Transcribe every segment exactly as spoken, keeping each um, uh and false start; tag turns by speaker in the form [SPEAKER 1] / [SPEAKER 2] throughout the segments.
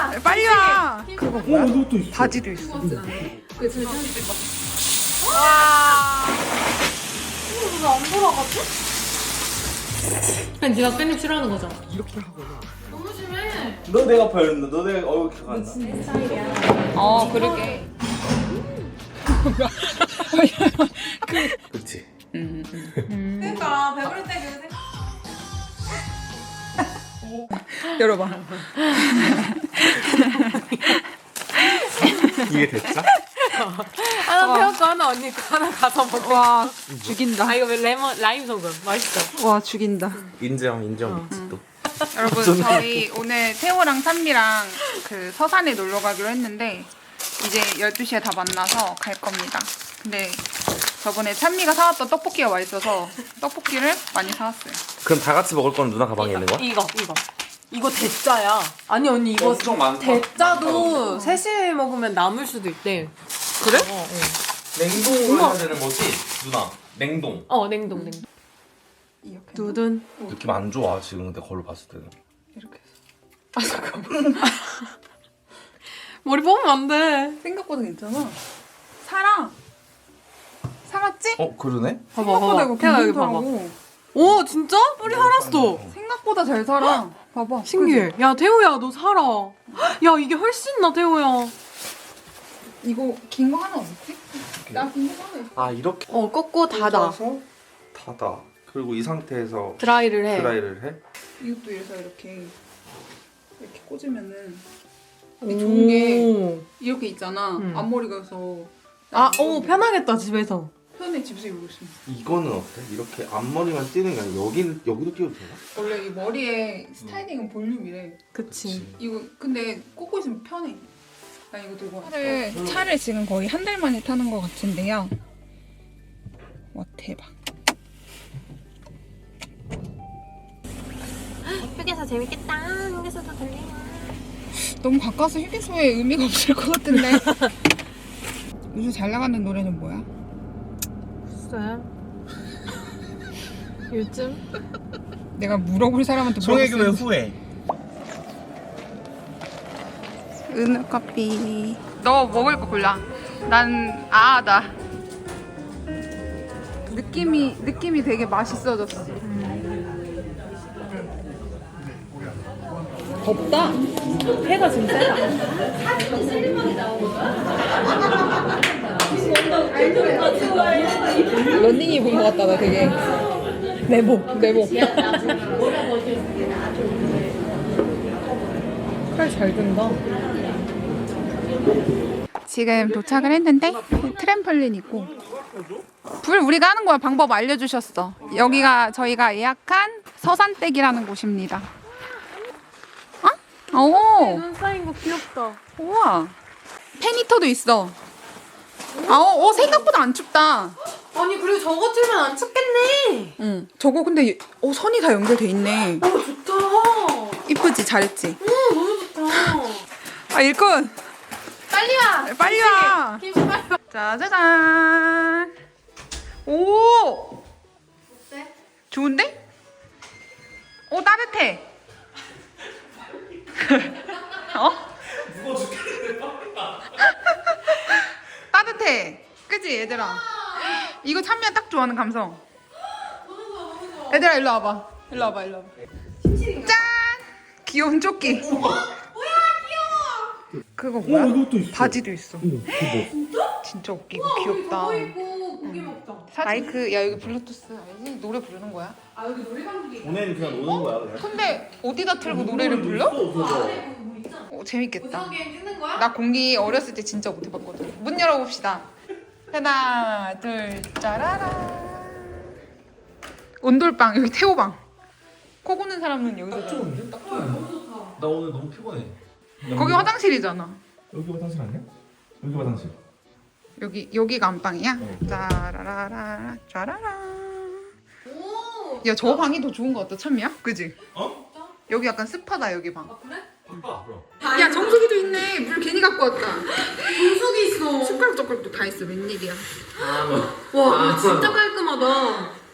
[SPEAKER 1] 빨리 와.
[SPEAKER 2] 그거 뭐야?
[SPEAKER 3] 이것도 있어.
[SPEAKER 1] 바지도 있어.
[SPEAKER 2] 와.
[SPEAKER 4] 왜안 돌아가지? 아니 네가 깻잎 싫어하는 거잖아.
[SPEAKER 1] 이렇게 하고.
[SPEAKER 4] 너무 심해.
[SPEAKER 3] 너 내가 봐였는데 너 내가 어우 기억 안 나.
[SPEAKER 1] 어, 그러게.
[SPEAKER 3] 그렇지.
[SPEAKER 1] 음.
[SPEAKER 4] 그러니까 배부를 때 그 생각.
[SPEAKER 1] 열어봐.
[SPEAKER 3] 이게 됐죠?
[SPEAKER 4] 하나 태웠고 하나 언니 거 하나 가서 먹어.
[SPEAKER 1] 와, 죽인다.
[SPEAKER 4] 아 이거 왜 레몬 라임 소금 맛있어.
[SPEAKER 1] 와, 죽인다.
[SPEAKER 3] 인정 인정 있지 또.
[SPEAKER 1] 여러분, 저희 오늘 태호랑 찬미랑 그 서산에 놀러 가기로 했는데 이제 열두 시에 다 만나서 갈 겁니다. 근데 저번에 찬미가 사왔던 떡볶이가 맛있어서 떡볶이를 많이 사왔어요.
[SPEAKER 3] 그럼 다 같이 먹을 거는 누나 가방에 있는 거야?
[SPEAKER 4] 이거 이거 이거 대짜야. 아니 언니 이거
[SPEAKER 3] 엄청 많다.
[SPEAKER 4] 대짜도 셋이 먹으면 남을 수도 있대.
[SPEAKER 1] 그래?
[SPEAKER 4] 어, 어.
[SPEAKER 3] 냉동으로 해야 되는 거지? 누나 냉동.
[SPEAKER 4] 어 냉동 냉동.
[SPEAKER 1] 이렇게
[SPEAKER 4] 두둔.
[SPEAKER 3] 느낌 안 좋아 지금 근데 걸로 봤을 때는.
[SPEAKER 1] 이렇게 해서.
[SPEAKER 4] 아 잠깐만. 머리 뽑으면 안 돼.
[SPEAKER 1] 생각보다 괜찮아. 살아. 살았지?
[SPEAKER 3] 어 그러네?
[SPEAKER 4] 봐봐
[SPEAKER 1] 생각보다
[SPEAKER 4] 봐봐.
[SPEAKER 1] 이거
[SPEAKER 4] 태아 여기 봐봐.
[SPEAKER 1] 괜찮더라고.
[SPEAKER 4] 오 진짜? 뿌리 살았어.
[SPEAKER 1] 생각보다 잘 살아. 봐봐.
[SPEAKER 4] 신기해. 야 태호야 너 살아. 야 이게 훨씬 나 태호야.
[SPEAKER 1] 이거 긴 거 하나 없지? 나 긴 거 하나 있어.
[SPEAKER 3] 아 이렇게
[SPEAKER 4] 어 꺾고 닫아.
[SPEAKER 3] 꽂아서 닫아. 그리고 이 상태에서
[SPEAKER 4] 드라이를 해.
[SPEAKER 3] 드라이를 해?
[SPEAKER 1] 이것도 이래서 이렇게 이렇게 꽂으면은
[SPEAKER 4] 오.
[SPEAKER 1] 좋은 게 이렇게 있잖아.
[SPEAKER 4] 응.
[SPEAKER 1] 앞머리가 서
[SPEAKER 4] 아, 오 편하겠다 집에서.
[SPEAKER 1] 편해 집에서 이러고 있으면.
[SPEAKER 3] 이거는 어때? 이렇게 앞머리만 띄는 게 아니라 여기, 여기도 띄워도 되나?
[SPEAKER 1] 원래 이 머리에 스타일링은 볼륨이래.
[SPEAKER 4] 그치.
[SPEAKER 1] 이거 근데 꽂고 있으면 편해. 나 이거 들고 왔어. 차를, 차를 지금 거의 한 달 만에 타는 것 같은데요. 와 대박.
[SPEAKER 4] 휴게소 재밌겠다. 휴게소도 들리네.
[SPEAKER 1] 너무 가까워서 휴게소에 의미가 없을 것 같은데. 요즘 잘 나가는 노래는 뭐야?
[SPEAKER 4] 글쎄. 요즘?
[SPEAKER 1] 내가 물어볼 사람한테 물어볼 수
[SPEAKER 3] 후회.
[SPEAKER 1] 은우 커피. 너 먹을 거 골라. 난 아아다. 느낌이 느낌이 되게 맛있어졌어. 덥다.
[SPEAKER 4] 해가 지금 세다.
[SPEAKER 1] 런닝 입은 것 같다 나 되게. 내복 내복.
[SPEAKER 4] 칼 잘 든다.
[SPEAKER 1] 지금 도착을 했는데 트램펄린 있고 불 우리가 하는 거야. 방법 알려주셨어. 여기가 저희가 예약한 서산댁이라는 곳입니다. 어? 오.
[SPEAKER 4] 눈 쌓인 거 귀엽다.
[SPEAKER 1] 우와. 팬히터도 있어. 아, 어, 어, 생각보다 안 춥다.
[SPEAKER 4] 아니 그리고 저거 틀면 안 춥겠네.
[SPEAKER 1] 응. 저거 근데 어, 선이 다 연결돼 있네.
[SPEAKER 4] 어 좋다.
[SPEAKER 1] 이쁘지? 잘했지?
[SPEAKER 4] 응 너무 좋다.
[SPEAKER 1] 아, 일꾼.
[SPEAKER 4] 빨리 와.
[SPEAKER 1] 빨리 와.
[SPEAKER 4] 김치 빨리 와.
[SPEAKER 1] 짜자잔. 오.
[SPEAKER 4] 어때?
[SPEAKER 1] 좋은데? 오, 따뜻해. 어? 따뜻해. 그치 얘들아? 이거 찬미야 딱 좋아하는 감성. 얘들아 일로 와봐. 일로 와봐 일로 와봐. 짠! 귀여운 조끼. 그거 뭐야?
[SPEAKER 3] 이것도 있어.
[SPEAKER 1] 바지도 있어.
[SPEAKER 3] 응, 그거.
[SPEAKER 1] 진짜 웃기고 귀엽다.
[SPEAKER 4] 그거 입고 고기 먹자.
[SPEAKER 1] 마이크 야 여기 블루투스 알지? 노래 부르는 거야?
[SPEAKER 4] 아 여기 노래방들이.
[SPEAKER 3] 보내는 그냥 노는 거야 그냥.
[SPEAKER 1] 근데 어디다 틀고 노래를 불러? 어, 재밌겠다.
[SPEAKER 4] 오징어 게임 찍는 거야?
[SPEAKER 1] 나 공기 어렸을 때 진짜 못 해봤거든. 문 열어봅시다. 하나, 둘, 짜라라. 온돌방 여기 태호방. 코 고는 사람은 여기서 자.
[SPEAKER 3] 나 오늘 너무 피곤해.
[SPEAKER 1] 거기 화장실이잖아.
[SPEAKER 3] 여기 화장실 아니야? 여기 화장실.
[SPEAKER 1] 여기 여기가 안방이야.
[SPEAKER 3] 어.
[SPEAKER 1] 짜라라라, 짜라라.
[SPEAKER 4] 오.
[SPEAKER 1] 야 저 방이 더 좋은 거 같다 참미야? 그지?
[SPEAKER 3] 어?
[SPEAKER 1] 여기 약간 습하다 여기 방.
[SPEAKER 4] 아 그래?
[SPEAKER 3] 바꿔 그럼.
[SPEAKER 1] 야 정수기도 있네. 물 괜히 갖고 왔다.
[SPEAKER 4] 분석이 있어.
[SPEAKER 1] 숟가락 젓가락도 다 있어. 웬일이야?
[SPEAKER 3] 아 뭐.
[SPEAKER 4] 와
[SPEAKER 3] 아,
[SPEAKER 4] 이거 진짜 깔끔하다.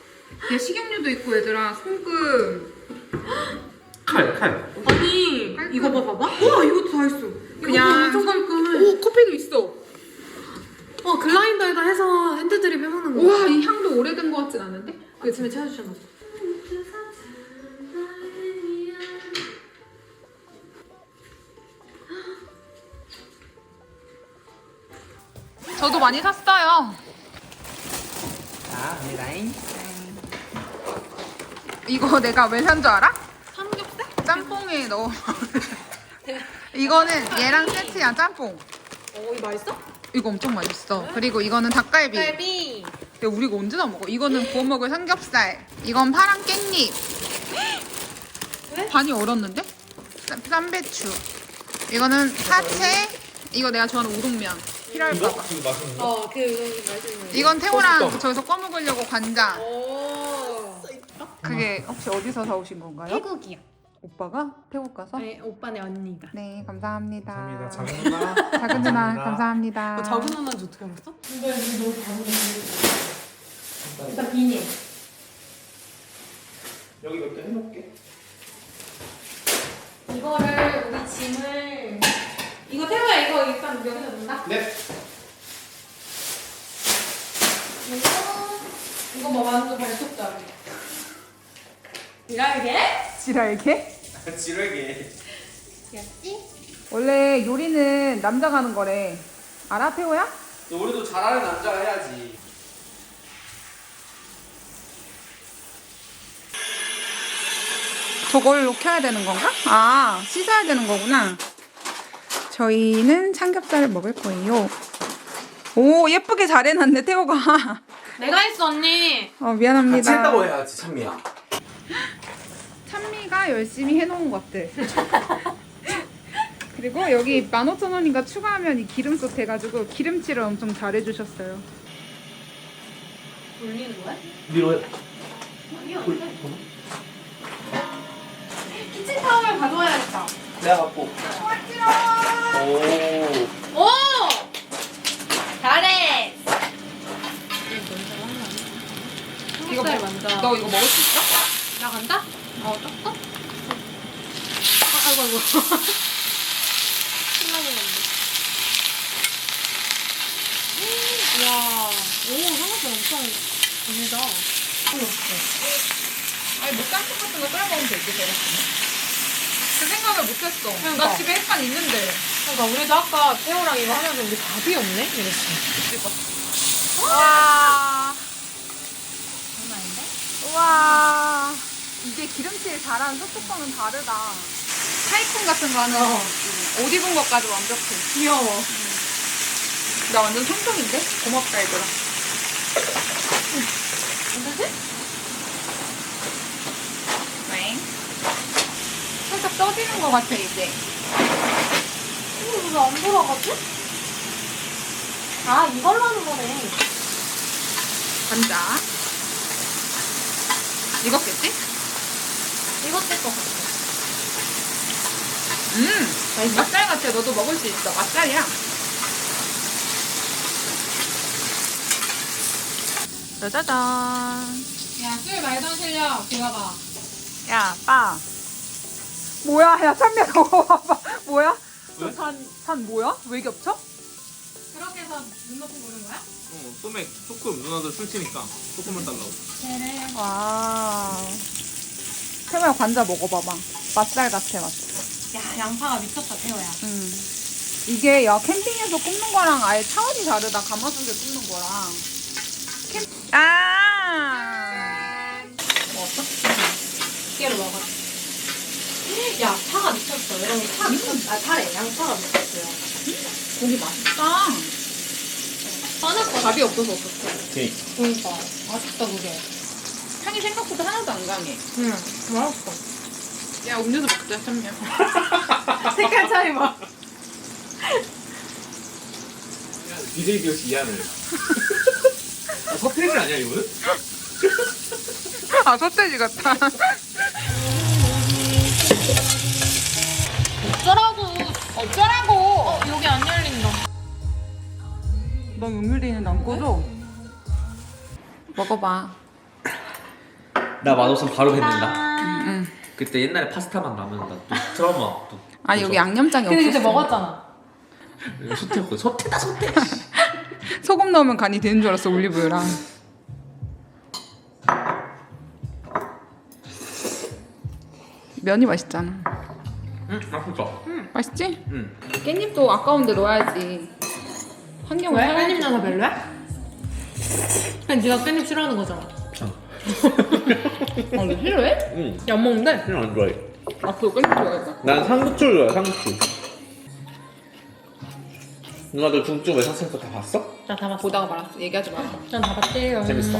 [SPEAKER 1] 야 식용유도 있고 얘들아. 소금.
[SPEAKER 3] 칼 칼.
[SPEAKER 4] 아니 이거 봐봐봐. 우와 이것도 다 있어.
[SPEAKER 1] 그냥-
[SPEAKER 4] 이것도 엄청 깔끔해.
[SPEAKER 1] 오 커피도 있어.
[SPEAKER 4] 어 글라인더에다 해서 핸드드립 해먹는 거.
[SPEAKER 1] 우와 이 향도 오래된 것 같진 않은데?
[SPEAKER 4] 아침에 찾아주셨나 봐.
[SPEAKER 1] 저도 많이 샀어요.
[SPEAKER 3] 자, 라인.
[SPEAKER 1] 이거 내가 왜 산 줄 알아?
[SPEAKER 4] 삼겹살?
[SPEAKER 1] 짬뽕에 넣어. 이거는 얘랑 세트야 짬뽕.
[SPEAKER 4] 어 이거 맛있어?
[SPEAKER 1] 이거 엄청 맛있어. 그리고 이거는 닭갈비.
[SPEAKER 4] 갈비.
[SPEAKER 1] 야, 우리가 언제 다 먹어? 이거는 구워 먹을 삼겹살. 이건 파란 깻잎.
[SPEAKER 4] 왜?
[SPEAKER 1] 반이 얼었는데? 쌈- 쌈배추. 이거는 사채. 이거 내가 좋아하는 우동면. 필요할까봐.
[SPEAKER 3] 이거 맛있는 거?
[SPEAKER 4] 어그 맛있는 거.
[SPEAKER 1] 이건 태호랑
[SPEAKER 3] 소스떡.
[SPEAKER 1] 저기서 꺼 먹으려고 관자.
[SPEAKER 4] 오.
[SPEAKER 1] 그게 혹시 어디서 사오신 건가요?
[SPEAKER 4] 태국이야.
[SPEAKER 1] 오빠가? 태국 가서?
[SPEAKER 4] 네 오빠네 언니가.
[SPEAKER 1] 네, 감사합니다.
[SPEAKER 3] 감사합니다. 작은 누나.
[SPEAKER 1] 작은 누나, 감사합니다.
[SPEAKER 4] 어, 작은 누나인지 어떻게 알았어? 근데 여기 너무 작은 일단 비닐.
[SPEAKER 3] 여기 몇 개 해놓을게.
[SPEAKER 4] 이거를 우리 짐을 이거 태호야 이거 일단 여기다 놓는다.
[SPEAKER 3] 네.
[SPEAKER 4] 이거 이거 뭐 완전 발톱자루. 이랄게?
[SPEAKER 1] 지랄게?
[SPEAKER 3] 지르게.
[SPEAKER 4] 귀엽지?
[SPEAKER 1] 원래 요리는 남자가 하는 거래. 알아, 태호야?
[SPEAKER 3] 우리도 잘하는 남자가 해야지.
[SPEAKER 1] 저걸로 켜야 되는 건가? 아, 씻어야 되는 거구나. 저희는 삼겹살을 먹을 거예요. 오, 예쁘게 잘 해놨네, 태호가.
[SPEAKER 4] 내가 했어 언니.
[SPEAKER 1] 어, 미안합니다.
[SPEAKER 3] 같이 했다고 해야지, 찬미야.
[SPEAKER 1] 찬미가 열심히 해놓은 것들. 그리고 여기 만 오천 원인가 추가하면 이 기름솥 돼가지고 기름칠을 엄청 잘 해주셨어요.
[SPEAKER 4] 돌리는 거야?
[SPEAKER 3] 위로 해.
[SPEAKER 4] 아니야. 키친 타월 가져와야겠다.
[SPEAKER 3] 내가 갖고. 오.
[SPEAKER 4] 오! 잘해.
[SPEAKER 1] 이거
[SPEAKER 4] 삼겹살
[SPEAKER 1] 뭐-
[SPEAKER 4] 먼저.
[SPEAKER 1] 너 이거 먹을 수 있어?
[SPEAKER 4] 나간다? 어, 떴어? 아, 아이고, 아이고. 신나겠는데. 이야, 오, 삼겹살 엄청 길다.
[SPEAKER 1] 아니, 뭐 짬뽕 같은 거 끓여 먹으면 되지, 배고프면. 그 생각을 못했어.
[SPEAKER 4] 그러니까.
[SPEAKER 1] 나 집에 햇반 있는데.
[SPEAKER 4] 그러니까 우리도 아까 태호랑 이거 하면서 우리 밥이 없네? 이랬어.
[SPEAKER 1] 와.
[SPEAKER 4] 장난 아닌데?
[SPEAKER 1] 우와. 이게 기름칠 잘하는 소뚜껑은 다르다. 타이쿤 같은 거 하는
[SPEAKER 4] 어.
[SPEAKER 1] 옷 입은 것까지 완벽해.
[SPEAKER 4] 귀여워.
[SPEAKER 1] 나 완전 성공인데? 고맙다, 얘들아.
[SPEAKER 4] 괜찮지?
[SPEAKER 1] 네. 살짝 떠지는 것 같아, 이제.
[SPEAKER 4] 이거 왜 안 돌아가지? 아, 이걸로 하는 거네.
[SPEAKER 1] 감자. 익었겠지?
[SPEAKER 4] 이거 뗄것 같아.
[SPEAKER 1] 음, 맛살 같아. 너도 먹을 수 있어. 맛살이야. 짜자잔.
[SPEAKER 4] 야, 술 말던 실력, 들어가.
[SPEAKER 1] 야, 빠. 뭐야? 야, 찬미야, 저거 봐봐. 뭐야?
[SPEAKER 3] 왜?
[SPEAKER 1] 산, 산 뭐야? 왜 겹쳐?
[SPEAKER 4] 그렇게 해서 눈 높이 보는 거야?
[SPEAKER 3] 어, 소맥 조금 누나들 술 치니까 조금만 달라고.
[SPEAKER 4] 그래.
[SPEAKER 1] 와. 태호야, 관자 먹어봐봐. 맛살 같아, 맛.
[SPEAKER 4] 야, 양파가 미쳤다, 태호야.
[SPEAKER 1] 음. 이게 야 캠핑에서 굽는 거랑 아예 차원이 다르다. 가마솥에 굽는 거랑. 캠. 아.
[SPEAKER 4] 먹었어? 깨로 먹어. 야, 파가 미쳤어. 여러분, 파 미쳤어. 아, 파래. 양파가 미쳤어요.
[SPEAKER 1] 고기 맛있다.
[SPEAKER 4] 빠질 거
[SPEAKER 1] 밥이 없어서 어떡해.
[SPEAKER 3] 오케이.
[SPEAKER 4] 그러니까. 맛있다, 그게.
[SPEAKER 1] 향이 생각보다 하나도 안 강해.
[SPEAKER 4] 응, 맛있어.
[SPEAKER 1] 야 음료수 먹자, 참미야.
[SPEAKER 4] 색깔 차이 봐.
[SPEAKER 3] 비제이 비어씨 이하늘. 아, 서태지 아니야 이거는?
[SPEAKER 1] 아 소세지 같다.
[SPEAKER 4] 어쩌라고.
[SPEAKER 1] 어쩌라고.
[SPEAKER 4] 어, 여기 안 열린다.
[SPEAKER 1] 너 용유리는 안 꺼줘? 먹어봐.
[SPEAKER 3] 나 맛없으면 바로 뱉는다.
[SPEAKER 1] 응.
[SPEAKER 5] 그때 옛날에 파스타만 나면 나또 트라우마 또.
[SPEAKER 1] 아니 여기 양념장이
[SPEAKER 4] 근데
[SPEAKER 1] 없었어.
[SPEAKER 4] 그때 먹었잖아.
[SPEAKER 5] 소태였고 소태다 소태.
[SPEAKER 1] 소금 넣으면 간이 되는 줄 알았어 올리브유랑. 면이 맛있잖아.
[SPEAKER 5] 응 맛있어.
[SPEAKER 1] 맛있지?
[SPEAKER 5] 응.
[SPEAKER 1] 깻잎도 아까운데 넣어야지. 환경을
[SPEAKER 4] 왜?
[SPEAKER 1] 살려야지.
[SPEAKER 4] 깻잎 넣어서 별로야? 아니 네가 깻잎 싫어하는 거잖아.
[SPEAKER 1] 어, 너 싫어해?
[SPEAKER 5] 응.
[SPEAKER 4] 야, 안 먹는데?
[SPEAKER 5] 그냥 안 좋아해.
[SPEAKER 1] 앞으로 깻잎 좋아했다.
[SPEAKER 5] 난 상추를 좋아해 상추. 누나들 중증 외상센터 다 봤어?
[SPEAKER 4] 나 다 봤어.
[SPEAKER 1] 보다가 말았어. 얘기하지 마.
[SPEAKER 4] 난다 봤대요.
[SPEAKER 5] 재밌어.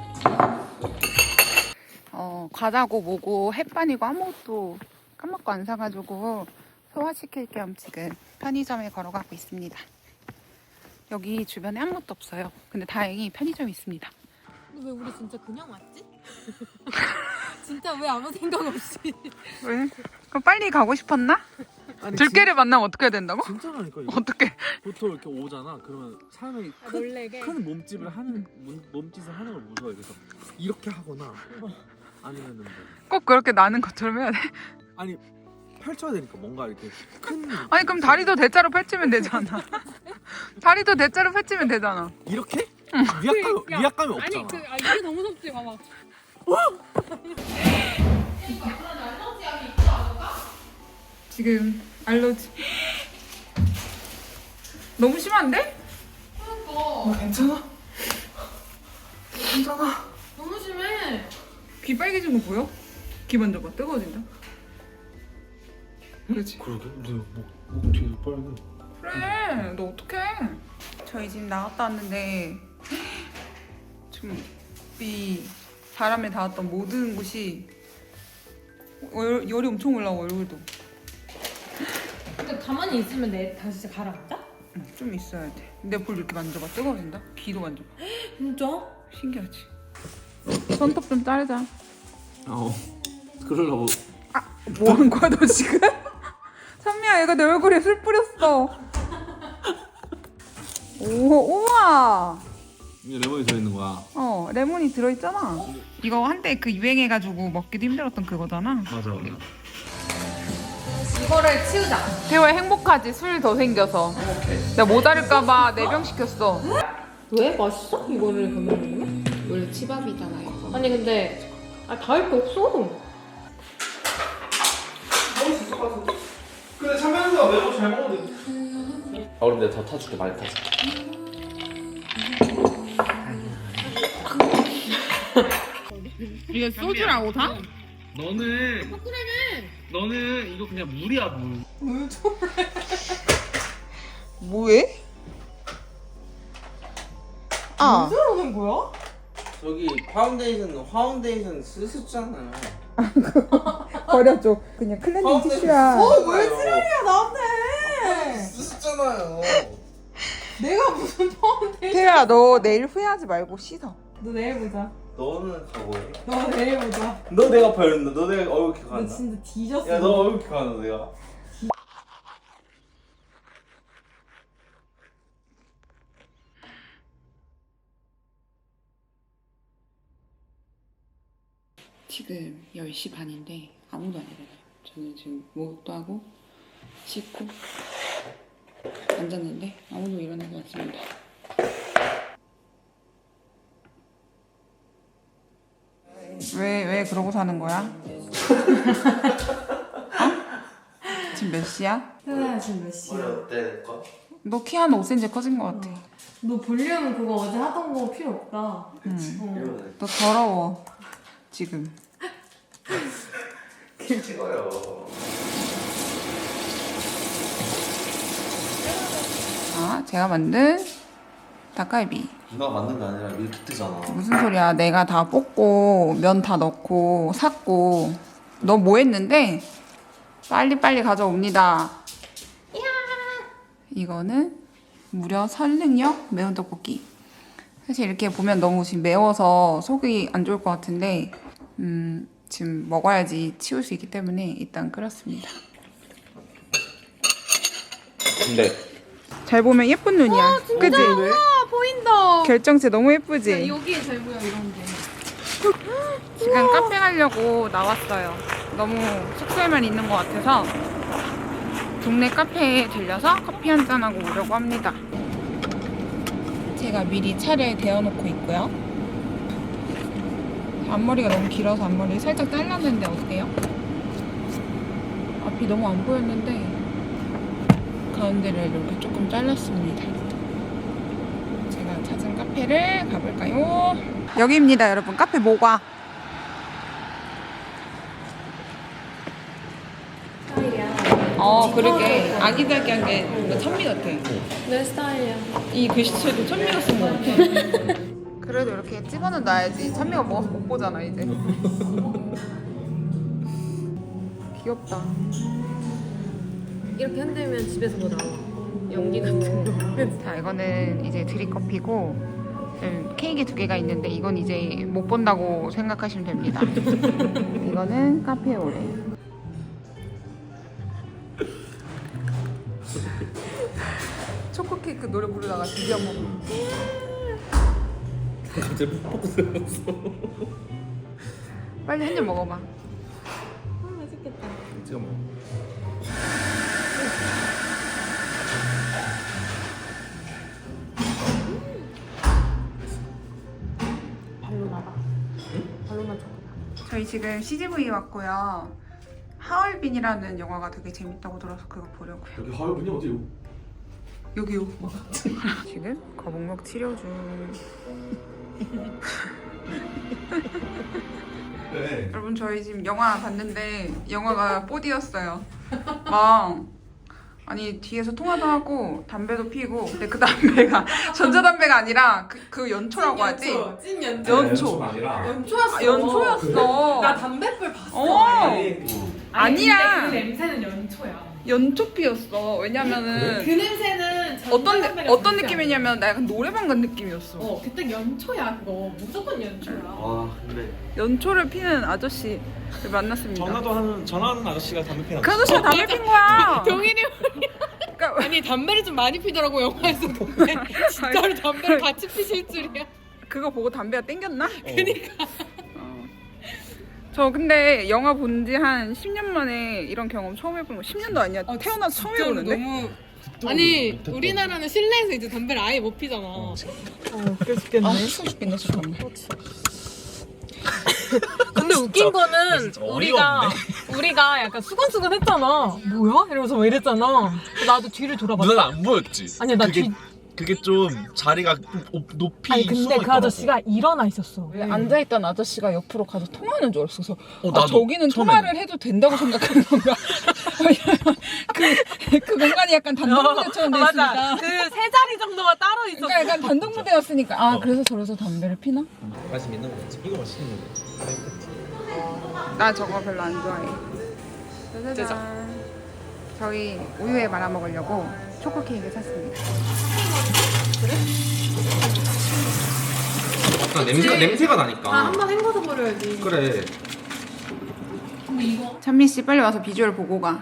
[SPEAKER 1] 어, 과자고 뭐고 햇반이고 아무것도 까먹고 안 사가지고 소화시킬 겸 지금 편의점에 걸어가고 있습니다. 여기 주변에 아무것도 없어요. 근데 다행히 편의점이 있습니다.
[SPEAKER 4] 왜 우리 진짜 그냥 왔지? 진짜 왜 아무 생각 없이?
[SPEAKER 1] 왜? 그럼 빨리 가고 싶었나?
[SPEAKER 6] 아니,
[SPEAKER 1] 들깨를 만나면 어떻게 해야 된다고?
[SPEAKER 6] 진짜라니까 이거.
[SPEAKER 1] 어떻게?
[SPEAKER 6] 보통 이렇게 오잖아. 그러면 사람이
[SPEAKER 4] 아,
[SPEAKER 6] 큰,
[SPEAKER 4] 놀래게.
[SPEAKER 6] 큰 몸집을 하는 몸, 몸짓을 하는 걸 무서워해. 그래서 이렇게 하거나 아니면은 뭐
[SPEAKER 1] 꼭 그렇게 나는 것처럼 해야 돼?
[SPEAKER 6] 아니 펼쳐야 되니까 뭔가 이렇게 큰
[SPEAKER 1] 아니 그럼 다리도 대자로 펼치면 되잖아. 다리도 대자로 펼치면 되잖아.
[SPEAKER 6] 이렇게 위압감
[SPEAKER 4] 야,
[SPEAKER 6] 위압감이 없잖아.
[SPEAKER 4] 아니 그 아, 이게 더 무섭지 봐봐.
[SPEAKER 1] 지금 알러지. 너무 심한데?
[SPEAKER 6] 어, 괜찮아? 괜찮아?
[SPEAKER 4] 너무 심해.
[SPEAKER 1] 귀 빨개진 거 보여? 귀 만져봐. 뜨거워진다. 그렇지.
[SPEAKER 6] 그러게? 내목 뒤에 빨개.
[SPEAKER 1] 그래. 너 어떡해. 저희 집 나갔다 왔는데 지금 이 바람에 닿았던 모든 곳이 열, 열이 엄청 올라와 얼굴도.
[SPEAKER 4] 근데 가만히 있으면 내 다시 진짜 가라앉아?
[SPEAKER 1] 응, 좀 있어야 돼. 내 볼 이렇게 만져봐. 뜨거워진다. 귀도 만져봐.
[SPEAKER 4] 진짜?
[SPEAKER 1] 신기하지? 손톱 좀 자르자.
[SPEAKER 6] 어. 그러려고.
[SPEAKER 1] 뭐 한 거야 너 지금? 선미야 얘가 내 얼굴에 술 뿌렸어. 오 우와.
[SPEAKER 6] 이게 레몬이 들어있는 거야.
[SPEAKER 1] 어 레몬이 들어있잖아. 이거 한때 그 유행해가지고 먹기도 힘들었던 그거잖아.
[SPEAKER 6] 맞아.
[SPEAKER 4] 이거를 치우자.
[SPEAKER 1] 태호야 행복하지? 술 더 생겨서. 내가 모자랄까봐 네 병 시켰어.
[SPEAKER 4] 왜? 맛있어? 이거를 그러면?
[SPEAKER 1] 원래 치밥이잖아요.
[SPEAKER 4] 아니 근데 아 닿을 게 없어.
[SPEAKER 3] 근데 참외가 매우 잘 먹는데.
[SPEAKER 5] 아 그럼 내가 더 타줄게 많이 타줄게.
[SPEAKER 1] 이게 소주라고 다?
[SPEAKER 5] 너는 너는 이거 그냥 물이야 물.
[SPEAKER 1] 뭐해? 아
[SPEAKER 4] 그러는 거야?
[SPEAKER 3] 저기 파운데이션 화운데이션 쓰셨잖아요.
[SPEAKER 1] 버려줘. 그냥 클렌징 티슈야.
[SPEAKER 3] 왜 지랄이야 나한테? 쓰셨잖아요.
[SPEAKER 4] 내가 무슨 파운데이션?
[SPEAKER 1] 태호야 너 내일 후회하지 말고 씻어.
[SPEAKER 4] 너 내일 보자.
[SPEAKER 3] 너는 각오해.
[SPEAKER 4] 너 내일 보자.
[SPEAKER 3] 너 내가 버렸나? 너 내가 얼굴
[SPEAKER 4] 너
[SPEAKER 3] 기억한다.
[SPEAKER 4] 진짜 뒤졌어.
[SPEAKER 3] 야 너 얼굴 기억한다 내가.
[SPEAKER 1] 지금 열 시 반인데 아무도 안 일어나요. 저는 지금 목욕도 하고 씻고 앉았는데 아무도 일어나지 않습니다. 왜, 왜 그러고 사는 거야? 어? 지금 몇 시야?
[SPEAKER 4] 태어나 지금 몇 시야?
[SPEAKER 3] 어때 내 거?
[SPEAKER 1] 너 키 한 오 센티미터 커진 것 같아.
[SPEAKER 4] 너 볼륨 그거 어제 하던 거 필요 없다.
[SPEAKER 3] 그치.
[SPEAKER 4] 어.
[SPEAKER 3] 이러면
[SPEAKER 1] 너 더러워 지금.
[SPEAKER 3] 찍어요.
[SPEAKER 1] 아, 제가 만든 닭갈비.
[SPEAKER 3] 누가 만든 게 아니라 밀키트잖아.
[SPEAKER 1] 무슨 소리야? 내가 다 볶고 면 다 넣고 샀고 너 뭐 했는데 빨리빨리 가져옵니다. 이거는 무려 설릉역 매운 떡볶이. 사실 이렇게 보면 너무 지금 매워서 속이 안 좋을 것 같은데 음, 지금 먹어야지 치울 수 있기 때문에 일단 끓였습니다.
[SPEAKER 5] 근데
[SPEAKER 1] 잘 보면 예쁜 눈이야. 그지?
[SPEAKER 4] 아 보인다.
[SPEAKER 1] 결정체 너무 예쁘지?
[SPEAKER 4] 여기에 잘 보여 이런 게.
[SPEAKER 1] 지금 카페 가려고 나왔어요. 너무 숙소에만 있는 것 같아서 동네 카페에 들려서 커피 한잔 하고 오려고 합니다. 제가 미리 차를 데워놓고 있고요. 앞머리가 너무 길어서 앞머리를 살짝 잘랐는데 어때요? 앞이 너무 안 보였는데 가운데를 이렇게 조금 잘랐습니다. 제가 찾은 카페를 가볼까요? 여기입니다, 여러분. 카페 모과. 어, 그러게. 아기자기한 게 뭔가 찬미 같아.
[SPEAKER 4] 내 스타일이야.
[SPEAKER 1] 이 글씨체도 찬미가 쓴 것 같아. 그래도 이렇게 집어는 놔야지. 찬미가 먹어서 못 보잖아, 이제. 귀엽다.
[SPEAKER 4] 이렇게 흔들면 집에서 뭐 나와. 연기 같은 거.
[SPEAKER 1] 자, 이거는 이제 드립커피고 음, 케이크 두 개가 있는데 이건 이제 못 본다고 생각하시면 됩니다. 이거는 카페 오레. 초코 케이크 노래 부르다가 드디어 한번
[SPEAKER 5] 갑자기 푹푹 들었어.
[SPEAKER 1] 빨리 한 입 먹어봐.
[SPEAKER 4] 아, 맛있겠다.
[SPEAKER 5] 찍어 먹어.
[SPEAKER 4] 발로나다. 발로나 초코.
[SPEAKER 1] 저희 지금 씨지브이 왔고요. 하얼빈이라는 영화가 되게 재밌다고 들어서 그거 보려고요.
[SPEAKER 3] 여기 하얼빈이 어디요?
[SPEAKER 1] 여기요. 지금 거북목 치료 중.
[SPEAKER 3] 네.
[SPEAKER 1] 여러분 저희 지금 영화 봤는데 영화가 포디였어요. 막 아니 뒤에서 통화도 하고 담배도 피고 근데 그 담배가 전자담배가 아니라 그, 그 연초라고 하지?
[SPEAKER 4] 찐 연초.
[SPEAKER 1] 연초.
[SPEAKER 3] 아니라.
[SPEAKER 4] 연초였어.
[SPEAKER 1] 아, 연초였어.
[SPEAKER 4] 나 담배불 봤어.
[SPEAKER 1] 어.
[SPEAKER 3] 아니.
[SPEAKER 1] 아니야.
[SPEAKER 2] 근데 그 냄새는 연초야.
[SPEAKER 1] 연초피였어. 왜냐면은
[SPEAKER 2] 그 냄새는
[SPEAKER 1] 어떤
[SPEAKER 2] 전자담배가
[SPEAKER 1] 어떤
[SPEAKER 2] 냄새
[SPEAKER 1] 느낌이냐면 나 약간 노래방 간 느낌이었어.
[SPEAKER 2] 아니야. 어, 그때 연초야 그거. 무조건 연초야.
[SPEAKER 3] 와 근데
[SPEAKER 1] 연초를 피는 아저씨를 만났습니다.
[SPEAKER 6] 전화도 하는 전화하는 아저씨가 담배 피나.
[SPEAKER 1] 그 아저씨가 담배 핀 거야.
[SPEAKER 2] 동일이
[SPEAKER 1] 그러니까
[SPEAKER 2] 아니 담배를 좀 많이 피더라고 영화에서. 근데 진짜로 담배를 같이 피실 줄이야.
[SPEAKER 1] 그거 보고 담배가 땡겼나? 그니까. 어. 저 근데 영화 본 지 한 십 년 만에 이런 경험 처음 해보는 거. 십 년도 아니야. 태어나서 처음
[SPEAKER 2] 진짜로
[SPEAKER 1] 해보는데?
[SPEAKER 2] 너무 아니 우리나라는 실내에서 이제 담배를 아예 못 피잖아. 어,
[SPEAKER 1] 아, 추워 죽겠네, 잠깐만.
[SPEAKER 2] 근데 웃긴 거는
[SPEAKER 6] 진짜
[SPEAKER 2] 우리가 우리가 약간 수근수근 했잖아. 뭐야? 이러면서 왜 이랬잖아. 나도 뒤를 돌아봤어.
[SPEAKER 6] 누나는 안 보였지.
[SPEAKER 2] 아니야 나
[SPEAKER 6] 그게,
[SPEAKER 2] 뒤.
[SPEAKER 6] 그게 좀 자리가 좀 높- 높이
[SPEAKER 2] 아니 근데 그
[SPEAKER 6] 숨어있더라고.
[SPEAKER 2] 아저씨가 일어나 있었어.
[SPEAKER 1] 왜 앉아있던 아저씨가 옆으로 가서 통화하는 줄 알았어. 그래서
[SPEAKER 6] 어,
[SPEAKER 1] 아,
[SPEAKER 6] 나도
[SPEAKER 1] 저기는
[SPEAKER 6] 처음에는.
[SPEAKER 1] 통화를 해도 된다고 생각하는 건가? 왜냐면 그, 그 공간이 약간 단독무대처럼 돼 있으니까.
[SPEAKER 2] 그 세 자리 정도가 따로 있었어.
[SPEAKER 1] 그러니까 약간 단독무대였으니까 아
[SPEAKER 6] 어.
[SPEAKER 1] 그래서 저래서 담배를 피나?
[SPEAKER 6] 맛이 있는 거지. 이거 맛있는 거지.
[SPEAKER 1] 나 저거 별로 안 좋아해. 짜자잔. 저희 우유에 말아 먹으려고 초코 케이크 샀습니다.
[SPEAKER 3] 약간 냄새가 냄새가 나니까.
[SPEAKER 4] 아, 한번 헹궈서 버려야지.
[SPEAKER 3] 그래.
[SPEAKER 1] 찬미 씨 빨리 와서 비주얼 보고 가.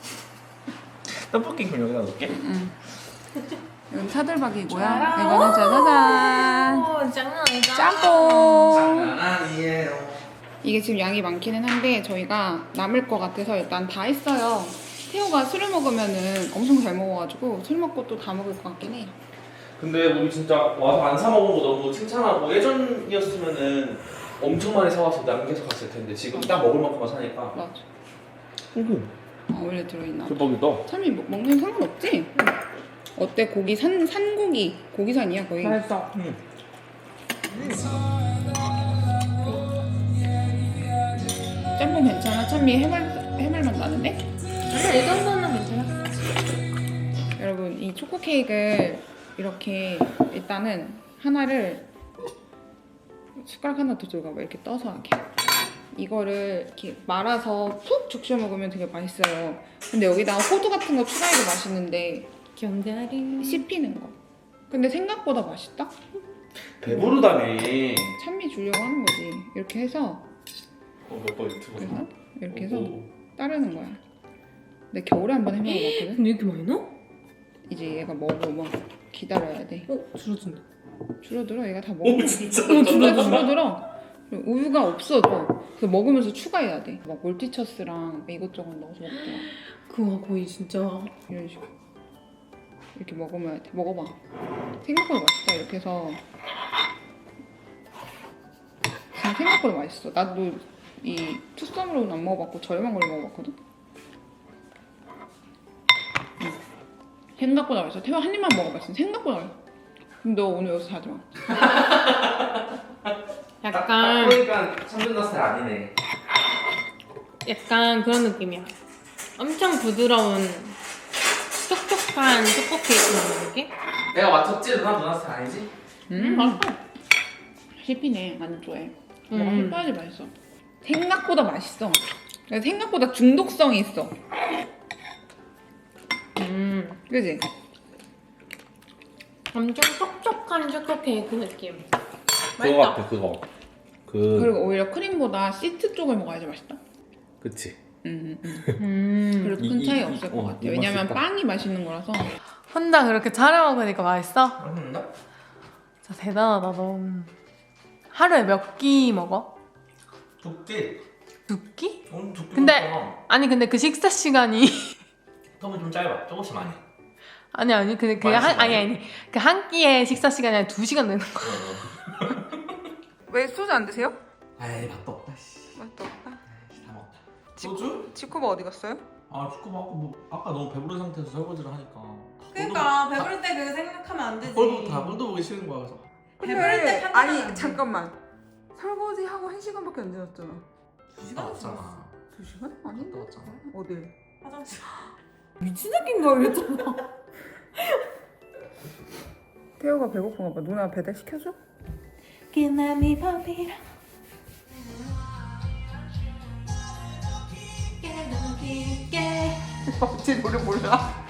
[SPEAKER 6] 떡볶이 그럼 여기다 넣을게.
[SPEAKER 1] 응. 이건 차돌박이고요. 이거는 짜자잔.
[SPEAKER 4] 어, 장난 아니다.
[SPEAKER 1] 짬뽕.
[SPEAKER 3] 아니에요.
[SPEAKER 1] 이게 지금 양이 많기는 한데 저희가 남을 것 같아서 일단 다 했어요. 태호가 술을 먹으면은 엄청 잘 먹어가지고 술 먹고 또 다 먹을 것 같긴 해요.
[SPEAKER 5] 근데 우리 진짜 와서 안 사 먹은 거 너무 칭찬하고 예전이었으면은 엄청 많이 사와서 남겨서 갔을 텐데 지금 딱 먹을 만큼만 사니까.
[SPEAKER 1] 맞아.
[SPEAKER 5] 오호.
[SPEAKER 1] 아, 원래 들어있나?
[SPEAKER 5] 대박이다.
[SPEAKER 1] 참이 먹- 먹는 상관없지? 어때? 고기 산 산고기 고기산이야 거의.
[SPEAKER 2] 맛있어.
[SPEAKER 5] 응.
[SPEAKER 1] 짬뽕 괜찮아? 참미 해물 해물맛 나는데?
[SPEAKER 4] 아니, 이 정도는 괜찮아.
[SPEAKER 1] 여러분 이 초코 케이크를 이렇게 일단은 하나를 숟가락 하나 더 들어가봐 이렇게 떠서 하게. 이거를 이렇게 말아서 푹 죽여 먹으면 되게 맛있어요. 근데 여기다가 호두 같은 거 추가해도 맛있는데
[SPEAKER 4] 견자리.
[SPEAKER 1] 씹히는 거. 근데 생각보다 맛있다?
[SPEAKER 5] 배부르다며.
[SPEAKER 1] 찬미 주려고 하는 거지. 이렇게 해서
[SPEAKER 5] 어, 몇번 유튜브.
[SPEAKER 1] 그래서 이렇게 해서
[SPEAKER 5] 오.
[SPEAKER 1] 따르는 거야. 근데 겨울에 한 번 해먹어봤거든?
[SPEAKER 4] 근데 이렇게 많이 넣어?
[SPEAKER 1] 이제 얘가 먹으면 기다려야 돼.
[SPEAKER 4] 어, 줄어든다.
[SPEAKER 1] 줄어들어. 얘가 다 먹어.
[SPEAKER 5] 오 진짜.
[SPEAKER 1] 어, 진짜 줄어들어. 그리고 우유가 없어져. 그래서 먹으면서 추가해야 돼. 막 몰티처스랑 이것저것 넣어서 먹더라.
[SPEAKER 4] 그거 거의 진짜.
[SPEAKER 1] 이런 식으로. 이렇게 먹으면 돼. 먹어봐. 생각보다 맛있다. 이렇게 해서. 진짜 생각보다 맛있어. 나도 이 투썸으로는 안 먹어봤고 저렴한 걸로 먹어봤거든. 응. 생각보다 맛있어. 태화 한 입만 먹어봤어. 생각보다 맛있어. 근데 너 오늘 여기서 자지 마.
[SPEAKER 4] 약간
[SPEAKER 5] 그러니까 참전자 스타일 아니네.
[SPEAKER 4] 약간 그런 느낌이야. 엄청 부드러운 촉촉한 초코 케이크 먹는 느낌?
[SPEAKER 5] 내가 맞췄지? 누나 누나 스타일 아니지?
[SPEAKER 1] 음, 맛있어. 씹히네. 안 좋아해. 뭐가
[SPEAKER 4] 음.
[SPEAKER 1] 씹어야지 맛있어. 생각보다 맛있어. 생각보다 중독성이 있어.
[SPEAKER 4] 음,
[SPEAKER 1] 그지?
[SPEAKER 4] 엄청 촉촉한 초코 케이크 느낌.
[SPEAKER 5] 그거 같아 그거. 그
[SPEAKER 1] 그리고 오히려 크림보다 시트 쪽을 먹어야지 맛있다.
[SPEAKER 5] 그치.
[SPEAKER 1] 음, 음.
[SPEAKER 4] 음.
[SPEAKER 1] 별로 큰
[SPEAKER 5] 이-
[SPEAKER 1] 차이
[SPEAKER 5] 이-
[SPEAKER 1] 없을
[SPEAKER 5] 이-
[SPEAKER 1] 것
[SPEAKER 5] 어,
[SPEAKER 1] 같아.
[SPEAKER 5] 이 맛이
[SPEAKER 1] 왜냐면
[SPEAKER 5] 있다.
[SPEAKER 1] 빵이 맛있는 거라서.
[SPEAKER 2] 혼자 그렇게 차려 먹으니까 맛있어?
[SPEAKER 5] 맛있나?
[SPEAKER 2] 진짜 대단하다 너. 하루에 몇 끼 먹어?
[SPEAKER 5] 두께.
[SPEAKER 2] 두 끼?
[SPEAKER 5] 오늘 두께.
[SPEAKER 2] 근데- 아니 근데 그 식사 시간이
[SPEAKER 5] 텀은 좀 짧아. 조금씩 많이.
[SPEAKER 2] 아니 아니 근데 그냥 한
[SPEAKER 5] 많이
[SPEAKER 2] 아니 아니 그 한 끼의 식사 시간이 한 두 시간 되는 거야.
[SPEAKER 1] 왜 소주 안 드세요?
[SPEAKER 5] 아이 맛도 없다. 씨.
[SPEAKER 1] 맛도 없다.
[SPEAKER 5] 다 먹다. 소주?
[SPEAKER 1] 치코바 어디 갔어요?
[SPEAKER 5] 아 축구 먹고 뭐 아까 너무 배부른 상태에서 설거지를 하니까.
[SPEAKER 7] 그러니까 배부를 때 그 생각하면 안 되지.
[SPEAKER 5] 꼴도 다 꼴도 보기 싫은 거야 그래서.
[SPEAKER 7] 배부를 때 판단하면 안
[SPEAKER 1] 아니
[SPEAKER 7] 돼.
[SPEAKER 1] 잠깐만. 설거지 하고 한 시간밖에 안 지났잖아.
[SPEAKER 7] 두 시간
[SPEAKER 5] 왔잖아.
[SPEAKER 1] 두 시간? 아니?
[SPEAKER 5] 갔다 왔잖아.
[SPEAKER 1] 어디?
[SPEAKER 7] 화장실.
[SPEAKER 2] 미친 새끼인가 이랬잖아.
[SPEAKER 1] 태호가 배고픈가 봐. 누나 배달 시켜줘?
[SPEAKER 7] 기남이 밤이라.
[SPEAKER 1] 어찌 노래 몰라?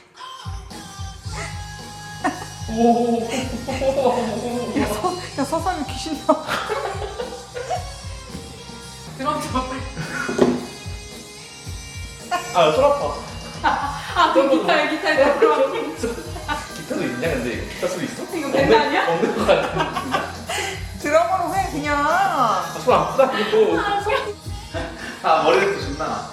[SPEAKER 1] 야 서산이 귀신이야.
[SPEAKER 7] 그럼 저 빨리.
[SPEAKER 5] 아손 아파.
[SPEAKER 7] 아, 그 기타에 기타에 들어가.
[SPEAKER 5] 기타도 있냐 근데 기타 소리 있어?
[SPEAKER 7] 이거 밴드 아니야?
[SPEAKER 5] 없는 거 같아.
[SPEAKER 1] 드라마로 해 그냥.
[SPEAKER 5] 아, 손 아프다 그리고. 아 머리도 존나.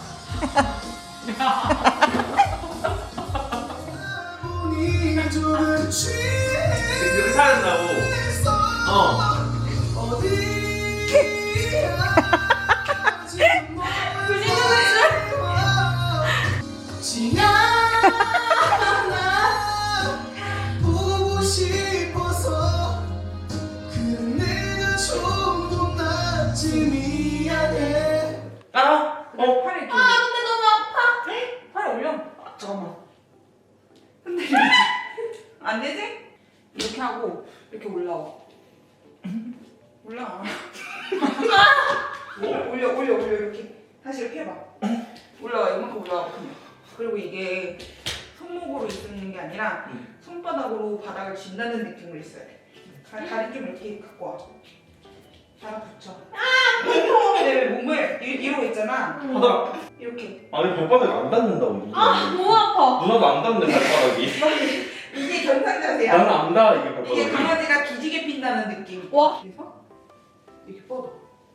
[SPEAKER 5] 이렇게 사야 된다고. 어.
[SPEAKER 8] 보고 싶어서 그런 내가 좀 낫지 미안해.
[SPEAKER 5] 따라. 어.
[SPEAKER 1] 팔 이렇게.
[SPEAKER 7] 아, 근데 너무 아파.
[SPEAKER 1] 팔 올려.
[SPEAKER 5] 아, 잠깐만.
[SPEAKER 1] 안 되지? 이렇게 하고 이렇게 올라와. 올라와. 올려 올려 올려 이렇게 다시 이렇게 해봐. 올라와 이만큼 올라와 그냥. 그리고 이게 손목으로 있는 게 아니라 손바닥으로 바닥을 쥔다는 느낌으로 있어야 돼. 다- 다리 좀 이렇게 갖고 와. 달아붙여. 내 몸을 이- 이러고 있잖아.
[SPEAKER 5] 바닥.
[SPEAKER 1] 이렇게.
[SPEAKER 5] 아니 발바닥이 안 닿는다고.
[SPEAKER 7] 아, 너무 아파.
[SPEAKER 5] 누나도 안 닿는데 발바닥이.
[SPEAKER 1] 이게 견상 자세야.
[SPEAKER 5] 나는 안 닿아 이게 발바닥이.
[SPEAKER 1] 이게 강아지가 기지개 핀다는 느낌.
[SPEAKER 7] 와.
[SPEAKER 1] 그래서 이렇게 뻗어.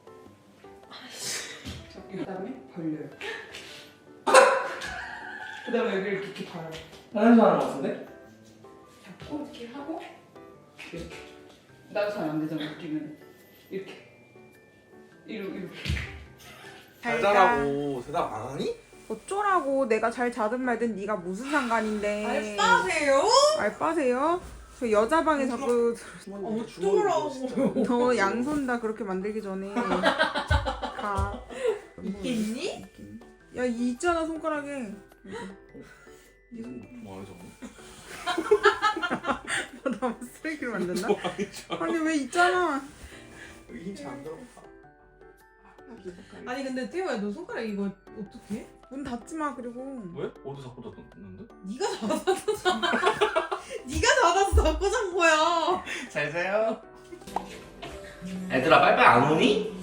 [SPEAKER 1] 그 다음에 벌려요. 그 다음에 여기를 이렇게 봐요.
[SPEAKER 5] 다른 사람 같은데?
[SPEAKER 1] 잡고 이렇게 하고 이렇게. 나도 잘 안 되잖아 웃기면. 이렇게. 이렇게. 이렇게.
[SPEAKER 3] 잘 자라고 대답 안 하니?
[SPEAKER 1] 어쩌라고 내가 잘 자든 말든 네가 무슨 상관인데.
[SPEAKER 7] 알바세요?
[SPEAKER 1] 알바세요? 저 여자 방에 자꾸
[SPEAKER 7] 어쩌라고.
[SPEAKER 1] 너 양손 다 그렇게 만들기 전에 가.
[SPEAKER 7] 있겠니?
[SPEAKER 1] 야, 이 있잖아 손가락에.
[SPEAKER 3] 뭐 저거?
[SPEAKER 1] 나 쓰레기로 만든다? 아니 왜 있잖아.
[SPEAKER 3] 여기 힘 잘 안 들어가.
[SPEAKER 7] 아니 근데 태호야 너 손가락 이거 어떻게?
[SPEAKER 1] 문 닫지 마 그리고.
[SPEAKER 3] 왜? 어디서 자꾸 닫았는데?
[SPEAKER 7] 네가 닫아서 네가 닫아서 닫고 잔 거야.
[SPEAKER 5] 잘 자요. 애들아 빨빨 안 오니?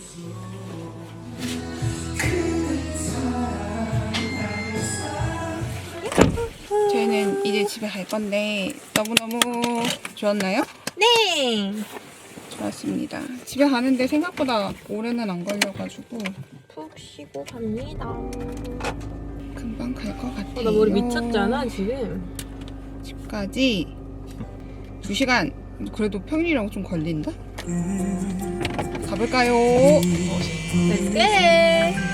[SPEAKER 1] 저희는 이제 집에 갈 건데 너무너무 좋았나요?
[SPEAKER 2] 네.
[SPEAKER 1] 맞습니다. 집에 가는데 생각보다 오래는 안 걸려가지고
[SPEAKER 2] 푹 쉬고 갑니다.
[SPEAKER 1] 금방 갈 것 같아요.
[SPEAKER 2] 어, 나 머리 미쳤잖아 지금.
[SPEAKER 1] 집까지 두 시간. 그래도 평일이랑 좀 걸린다? 가볼까요?
[SPEAKER 2] 렛츠고!